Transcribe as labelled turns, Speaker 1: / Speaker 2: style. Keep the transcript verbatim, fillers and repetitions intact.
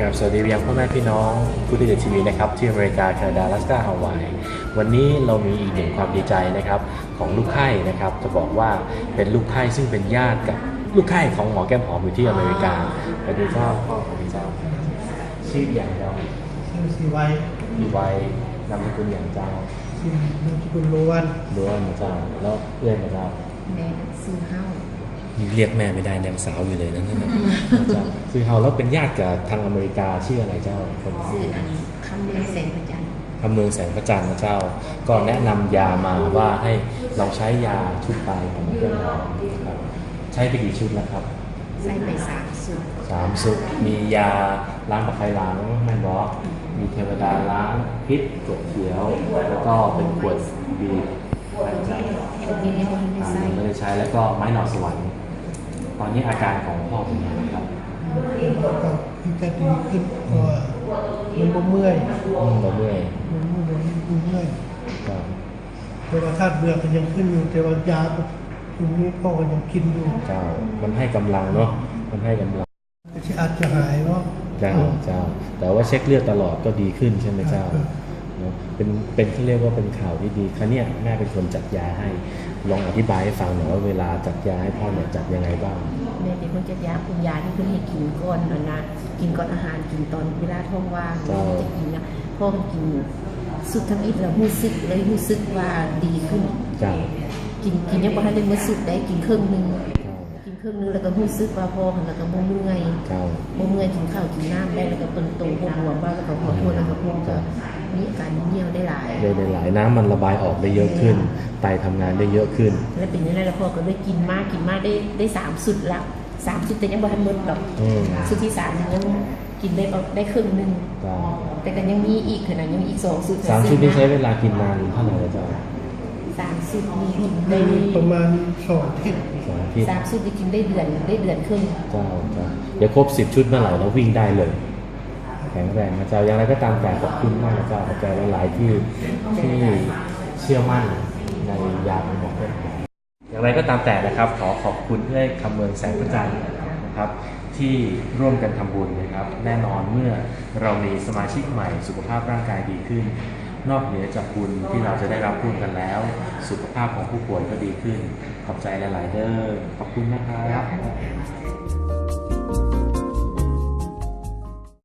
Speaker 1: ครับสวัสดียังพ่อแม่พี่น้องผู้ที่ดูทีวีนะครับที่อเมริกาแคนาดาอลาสก้าฮาวายวันนี้เรามีอีกหนึ่งความดีใจนะครับของลูกไข้นะครับจะบอกว่าเป็นลูกไข้ซึ่งเป็นญาติกับลูกไข้ของหมอแก้มหอมอยู่ที่อเมริกาไปดูเจ้าพ่อของเจ้าชื่ออย่างเจ้า
Speaker 2: ชื่อสีไว
Speaker 1: มีวัยนามสกุลอย่างเจ้า
Speaker 2: ชื่อนามสกุลล้วน
Speaker 1: ล้วนมาเจ้าแล้วเอื้อนมาเจ้า
Speaker 3: แม่ซื้อเฮ้า
Speaker 1: เรียกแม่ไม่ได้ยังสาวอยู่เลยนั่นนั่นนะเจ้าคือเฮาแล้วเป็นญาติกับทางอเมริกาชื่ออะไรเจ้าคน
Speaker 3: ซื้ออันคำเมืองแสงพระจันทร์
Speaker 1: อำเภอแสงพระจันทร์นะเจ้า ก็แนะนำยามาว่าให้เราใช้ยาชุดไตของเพื่อนเราครับใช้ไปกี่ชุดแล้วครับ
Speaker 3: ใส่ไปสามสูตร
Speaker 1: สามชุดมียาล้างตะไคร้ล้างแม่นบอสมีเทวดาล้างพิษกดเขียว แล้วก็เป็นขวดบีบ
Speaker 3: อันนี้ไม่ได้
Speaker 1: อ่า
Speaker 3: ใส่
Speaker 1: ไม่ได้ใช้แล้วก็ไม้หน่อสวรรค์ตอนนี้อาการของพ่อเป็นยังไงครับ
Speaker 2: ก็ที่จะดีขึ้นเพราะว่ามันบ่เมื่อย
Speaker 1: อืมเราเมื่อย
Speaker 2: มันบ่เมื่อยมันเมื่อย
Speaker 1: ก็
Speaker 2: แต่ว่าธาตุเบื่อก็ยังขึ้นอยู่แต่ว่ายาตรงนี้พ่อก็ยังกินอยู่
Speaker 1: เจ้ามันให้กำลังเนาะมันให้กำลัง
Speaker 2: แต่ที่อาจจะหายว่า
Speaker 1: เจ้าเจ้าแต่ว่าเช็คเลือดตลอดก็ดีขึ้นใช่ไหมเจ้าเนอะเป็นเป็นเขาเรียกว่าเป็นข่าวที่ดีครั้งเนี้ยแม่เป็นคนจัดยาให้ลองอธิบายให้ฟังหน่อยว่าเวลาจัดยาให้พ่อเนี่ยจัดยังไงบ้าง
Speaker 3: แม่เป็นคนจัดยาคุณยาที่เพิ่นให้กินก่อนนะนะกินก่อนอาหารกินตอนเวลาท้องว่างจะกินนะพ่อมันกินสุดทั้งอิดแล้วรู้สึกเลยรู้สึกว่าดีขึ้น
Speaker 1: เจ้า
Speaker 3: กินกินยังบ่ทันได้มื้อสุดได้กินครึ่งนึงกินครึ่งนึงแล้วก็รู้สึกว่าพอแล้วก็บ่เมื่อย
Speaker 1: เจ้า
Speaker 3: บ่เมื่อยกินข้าวกินน้ำได้แล้วก็เปิ้นโตบ่บวมบ้างแล้วก็ขอโทษแล้วก็พวกก็มีอาการเหี่ยวได้หลาย
Speaker 1: เร็วหลายน้ำมันระบายออกได้เยอะขึ้น ไตทำงานได้เยอะขึ้น
Speaker 3: แล้วเป็นยังไงแล้วพ่อก็ได้กินมากกินมากได้ได้สามสุดละสามสุดแต่ยังบ่ทันหมดหรอก
Speaker 1: อืม
Speaker 3: สุดที่สามยังกินได้ประได้ครึ่งหนึง
Speaker 1: เจ้า
Speaker 3: แต่ก็ยังมีอีกขนาดยังมีอีกสองสุด
Speaker 1: สามชุดนี้ใช้เวลากินนานเท่าไหร่แล้วเจ้า
Speaker 3: สามสุดมีกิน
Speaker 2: ใน
Speaker 3: ได้
Speaker 2: ประมาณสองอาทิตย์
Speaker 1: สองอาทิตย์
Speaker 3: สามสุดได้กินได้เดือนได้เดือนครึ่ง
Speaker 1: เจ้าเจ้าเดี๋ยวครบสิบชุดเมื่อไหร่เราวิ่งได้เลย แข็งแรงนะเจ้าอย่างไรก็ตามแต่ขอบคุณมากนะเจ้าขอบใจหลายๆที่ที่เชื่อมั่นในยาของหมอเพื่อนผมอย่างไรก็ตามแต่นะครับขอขอบคุณที่ให้คำเมืองแสงพระจันทร์นะครับที่ร่วมกันทำบุญนะครับ แน่นอนเมื่อเรามีสมาชิกใหม่สุขภาพร่างกายดีขึ้น นอกเหนือจากบุญที่เราจะได้รับร่วมกันแล้ว สุขภาพของผู้ป่วยก็ดีขึ้น ขอบใจหลายๆเด้อขอบคุณนะครับ